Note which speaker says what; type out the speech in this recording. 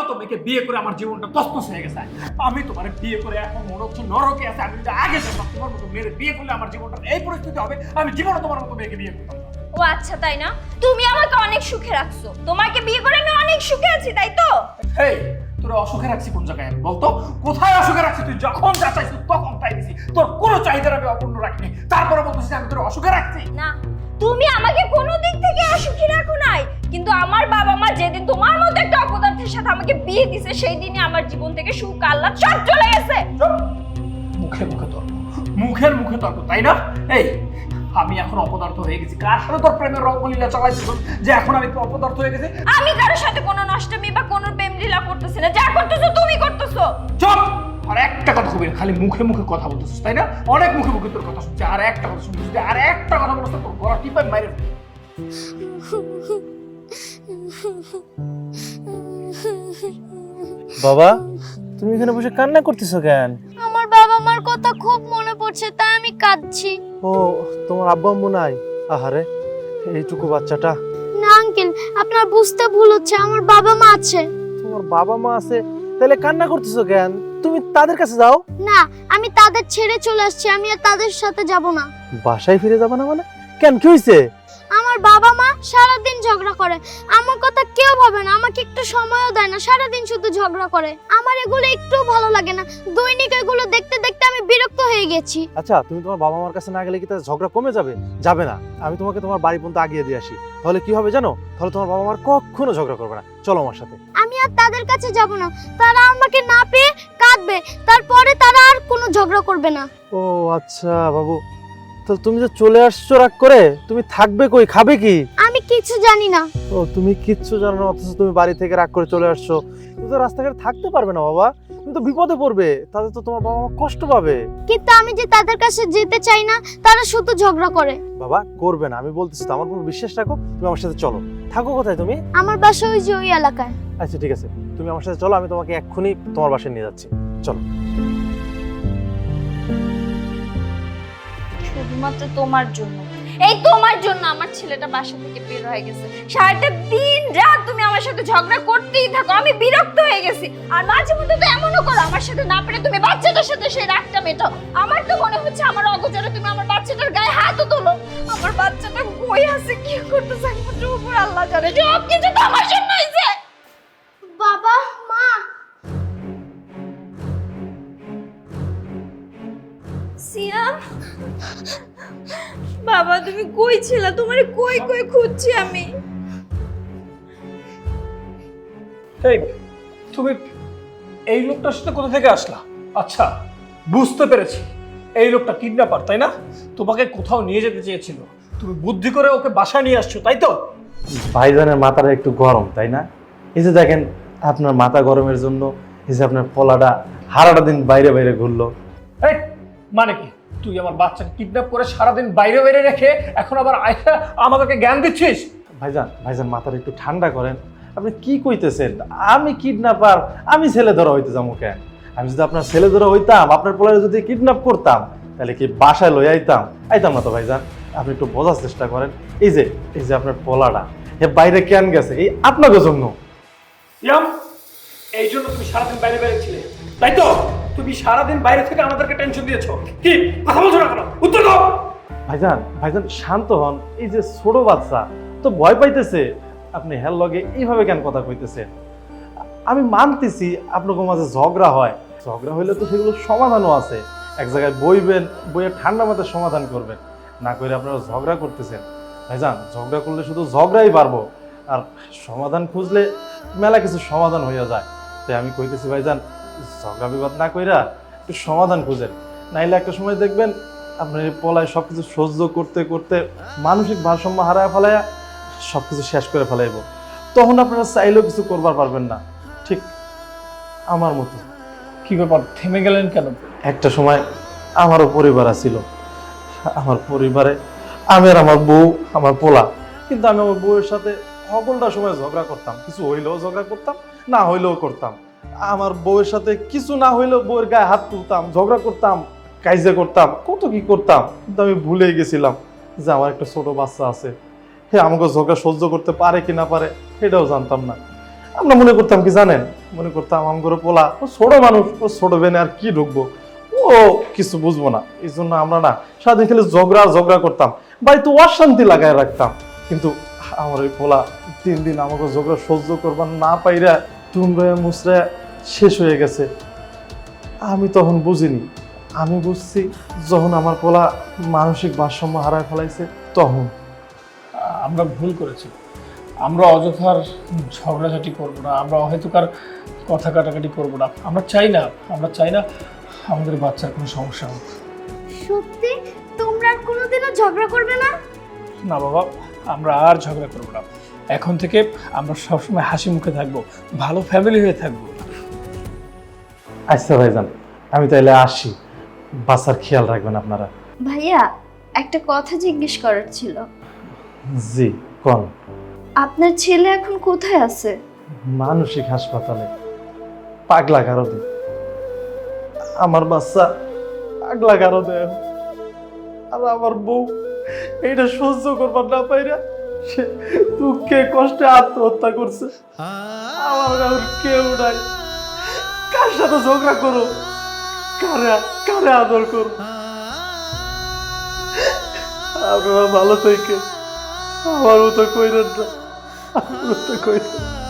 Speaker 1: মতো মেয়েকে বিয়ে করে আমার জীবনটা তছনছ হয়ে গেছে। আমি তোমার বিয়ে করে এখন মনে হচ্ছে নরকে আছে। আমি যদি আগে জানতাম তোমার মতো মেয়ের বিয়ে করলে আমার জীবনটা এই পরিস্থিতি হবে, আমি জীবনে তোমার মতো মেয়েকে বিয়ে করতাম না।
Speaker 2: ও আচ্ছা, তাই না? তুমি আমাকে অনেক সুখে রাখছো, তোমাকে বিয়ে করে আমি অনেক সুখে আছি, তাই তো?
Speaker 1: হেই, তোর অসুখে রাখছি কোন জায়গায়? আমি বলতো কোথায় অসুখে রাখছি? তুই যখন যা চাইছিস তখন তাই দিছি, তোর কোনো চাহিদার আমি অপূর্ণ রাখিনি, তারপরে বলতেছিস আমি তোর অসুখে রাখছি।
Speaker 2: না, তুমি আমাকে কোনো দিক থেকে অসুখী রাখো নাই, কিন্তু আমার বাবা মা যেদিন তোমার মতো একটা অপদার্থের সাথে আমাকে বিয়ে দিছে সেই দিনই আমার জীবন থেকে সুখ আল্লাহ সব চলে গেছে।
Speaker 1: মুখে মুখে তর্ক, মুখের মুখে তর্ক, তাই না? এই আমি এখন অপদার্থ হয়ে গেছি। কার সাথে তোর প্রেমের রঙ্গলীলা চালাইছিস যে এখন আমি অপদার্থ হয়ে গেছি?
Speaker 2: আমি কারোর সাথে কোনো নষ্টমী বা কোনো প্রেম লীলা করতেছি না, যা করতেছো তুমি করতেছো।
Speaker 1: চুপ! আর একটা কথা কবি না, খালি মুখে মুখে কথা বলতেছিস, তাই না? অনেক মুখে মুখে তোর কথা শুনছি, আর একটা কথা শুনছিস, আর একটা কথা বলছিস তোর গলা টিপাই মাইরে ফেলবো।
Speaker 3: বাবা, তুমি এখানে বসে কান্না করতেছো কেন?
Speaker 4: আমার বাবা মার কথা খুব মনে পড়ছে, তাই আমি কাঁদছি।
Speaker 3: ও, তোমার আব্বা আম্মু নাই? আহারে, এইটুকু বাচ্চাটা।
Speaker 4: না আঙ্কেল, আপনার বুঝতে ভুল হচ্ছে, আমার বাবা মা আছে।
Speaker 3: তোমার বাবা মা আছে, তাহলে কান্না করতেছো কেন? তুমি তাদের কাছে যাও।
Speaker 4: না, আমি তাদের ছেড়ে চলে আসছি, আমি আর তাদের সাথে যাব না।
Speaker 3: বাসায় ফিরে যাবে না মানে? কেন, কি হয়েছে?
Speaker 4: আমার বাবা মা সারাদিন ঝগড়া করে, আমার কথা কেউ ভাবে না, আমাকে একটু সময়ও দেয় না, সারাদিন শুধু ঝগড়া করে। আমার এগুলো একটু ভালো লাগে না, দৈনিক এগুলো দেখতে দেখতে আমি বিরক্ত হয়ে গেছি।
Speaker 3: আচ্ছা, তুমি তোমার বাবা মার কাছে না গেলে কি তাদের ঝগড়া কমে যাবে? যাবে না। আমি তোমাকে তোমার বাড়ি পর্যন্ত আগিয়ে দিয়ে আসি, তাহলে কি হবে জানো? তাহলে তোমার বাবা মার কখনো ঝগড়া করবে না। চলো আমার সাথে।
Speaker 4: আমি আর তাদের কাছে যাব না, তারা আমাকে না পেয়ে কাঁদবে, তারপরে তারা আর কোনো ঝগড়া করবে না।
Speaker 3: ও আচ্ছা বাবু, তো তুমি যে চলে আসছো রাগ করে, তুমি থাকবে কই, খাবে কি?
Speaker 4: আমি কিছু জানি না।
Speaker 3: ও, তুমি কিচ্ছু জানো না, অথচ তুমি বাড়ি থেকে রাগ করে চলে আসছো। তুমি তো রাস্তাঘাটে থাকতে পারবে না বাবা, তুমি তো বিপদে পড়বে, তাদের তো তোমার বাবা মা কষ্ট পাবে।
Speaker 4: কিন্তু আমি যে তাদের কাছে যেতে চাই না, তারা শুধু ঝগড়া করে।
Speaker 3: বাবা, করবে না, আমি বলতেছি তো, আমার উপর বিশ্বাস রাখো, তুমি আমার সাথে চলো। থাকো কোথায় তুমি?
Speaker 4: আমার বাসা ওই যে ওই এলাকায়।
Speaker 3: আচ্ছা ঠিক আছে, তুমি আমার সাথে চলো, আমি তোমাকে এক্ষুনি তোমার বাসায় নিয়ে যাচ্ছি। চলো।
Speaker 2: শুধুমাত্র তোমার জন্য, এই তোমার জন্য আমার ছেলেটা বাসা থেকে বের হয়ে গেছে। সারাটা দিন রাত তুমি আমার সাথে ঝগড়া করতেই থাকো, আমি বিরক্ত হয়ে গেছি। আর মাঝে মধ্যে তো এমনও করো, আমার সাথে না পেরে তুমি বাচ্চাটার সাথে সেই রাগটা মেটাও। আমার তো মনে হচ্ছে আমার অগোচরে তুমি আমার বাচ্চাটার গায়ে হাতও তোলো। আমার বাচ্চাটা কই আছে, কি করতেছে, একমাত্র উপর আল্লাহ জানে। সব কিছু তো আমার জন্য হয়েছে।
Speaker 4: বাবা মা,
Speaker 2: সিয়াম বাবা, তুমি কই ছিলা? তোমারে কই কই খুঁজছি আমি।
Speaker 1: এই তুমি এই লোকটার সাথে কোথা থেকে আসলা? আচ্ছা, বুঝতে পেরেছি, এই লোকটা কিডন্যাপার, তাই না? তোমাকে কোথাও নিয়ে যেতে চেয়েছিল, তুমি বুদ্ধি করে ওকে বাসায় নিয়ে আসছো, তাই তো?
Speaker 3: ভাইজানের মাথাটা একটু গরম, তাই না? এই যে দেখেন, আপনার মাথা গরমের জন্য এই যে আপনার পোলাটা সারাটা দিন বাইরে বাইরে ঘুরলো।
Speaker 1: এই মানে কি, তুই আমার বাচ্চাকে কিডন্যাপ করে সারাদিন বাইরে বাইরে রেখে এখন আবার আয়সা আমাদেরকে জ্ঞান দিচ্ছিস?
Speaker 3: ভাইজান, ভাইজান মাথাটা একটু ঠান্ডা করেন। আপনি কি কইতেছেন? আমি কিডন্যাপার? আমি ছেলে ধরা হইতে যাবো কেন? আমি যদি আপনার ছেলে ধরা হইতাম, আপনার পোলারে যদি কিডন্যাপ করতাম, তাহলে কি বাসায় লই আইতাম? আইতাম না তো ভাইজান। আপনি একটু বোঝার চেষ্টা করেন। এই যে আপনার পোলাটা এ বাইরে কেন গেছে? এই আপনাকে জন্য।
Speaker 1: ইয়াম, এই জন্য তুমি সারাদিন বাইরে বাইরে ছিলে, তাই তো? তুমি সারাদিন বাইরে থেকে আমাদেরকে টেনশন দিয়েছো। কি কথা বলছো না কেন? উত্তর দাও।
Speaker 3: ভাইজান, ভাইজান শান্ত হন। এই যে ছোট বাচ্চা তো ভয় পাইতেছে, আপনি হেল লগে এইভাবে কেন কথা কইতেছেন? আমি মানতেছি আপনাদের মাঝে ঝগড়া হয়, ঝগড়া হইলে তো সেগুলো সমাধানও আছে। এক জায়গায় বইবেন, বইয়ে ঠান্ডা মাথায় সমাধান করবেন, না করে আপনারা ঝগড়া করতেছেন। ভাইজান, ঝগড়া করলে শুধু ঝগড়াই পারবো, আর সমাধান খুঁজলে মেলা কিছু সমাধান হইয়া যায়। তাই আমি কইতেছি ভাইজান, ঝগড়া বিবাদ না কইরা একটু সমাধান খুঁজেন, নাইলে একটা সময় দেখবেন আপনার এই পলায় সবকিছু সহ্য করতে করতে মানসিক ভারসাম্য হারায় ফেলাইয়া সবকিছু শেষ করে ফেলাইব। তখন আপনারা চাইলেও কিছু করবার পারবেন না, ঠিক আমার মতো।
Speaker 1: কি ব্যাপার, থেমে গেলেন কেন?
Speaker 3: একটা সময় আমারও পরিবার ছিল, আমার পরিবারে আমি আর আমার বউ, আমার পোলা। কিন্তু আমি আমার বউয়ের সাথে সকলটা সময় ঝগড়া করতাম, কিছু হইলেও ঝগড়া করতাম, না হইলেও করতাম। আমার বউয়ের সাথে কিছু না হইলেও বউয়ের গায়ে হাত তুলতাম, ঝগড়া করতাম, কাইজে করতাম, কত কি করতাম। কিন্তু আমি ভুলে গেছিলাম যে আমার একটা ছোট বাচ্চা আছে, আমাকে ঝগড়া সহ্য করতে পারে কি না পারে সেটাও জানতাম না। আমরা মনে করতাম কি জানেন, মনে করতাম আমগরে পোলা ও ছোট মানুষ, ও ছোট বেনে আর কি ঢুকবো, ও কিছু বুঝবো না। এই জন্য আমরা না সারাদিন খালি ঝগড়া করতাম, বাড়িতে অশান্তি লাগায় রাখতাম। কিন্তু আমার ওই পোলা 3 দিন আমাকে ঝগড়া সহ্য করবার না পাইরা টুমড়ে মুচড়ে শেষ হয়ে গেছে। আমি তখন বুঝিনি, আমি বুঝছি যখন আমার পোলা মানসিক ভারসাম্য হারায় ফেলাইছে তখন।
Speaker 1: আমরা ভুল করেছি, আমরা অযথার ঝগড়াঝাটি করব না, আমরা অহেতুকার কথা কাটাকাটি করব না। আমরা চাই না আমাদের বাচ্চার কোনো সমস্যা হোক।
Speaker 4: সত্যি তোমরা আর কোনোদিনও ঝগড়া করবে না?
Speaker 1: না বাবা, আমরা আর ঝগড়া করব না। এখন থেকে আমরা সবসময় হাসি মুখে থাকবো, ভালো ফ্যামিলি হয়ে থাকবো।
Speaker 3: আচ্ছা ভাইজান, আমি তাইলে আসি, বাচ্চার খেয়াল রাখবেন আপনারা।
Speaker 2: ভাইয়া একটা কথা জিজ্ঞেস করার ছিল।
Speaker 3: জি কোন?
Speaker 2: আপনার ছেলে এখন কোথায় আছে?
Speaker 3: মানসিক হাসপাতালে, পাগলা কারদে। আমার বাচ্চা পাগলা কারদে, আর আমার বউ এইটা সহ্য করবার না পাইরা সে দুঃখে কষ্টে আত্মহত্যা করছে। আমার আর কেউ নাই, কার সাথে ঝগড়া করো, কারে আদর করো। আপনারা ভালো থেকে আমার মতো কইরেন না, আমার মতো কইরেন।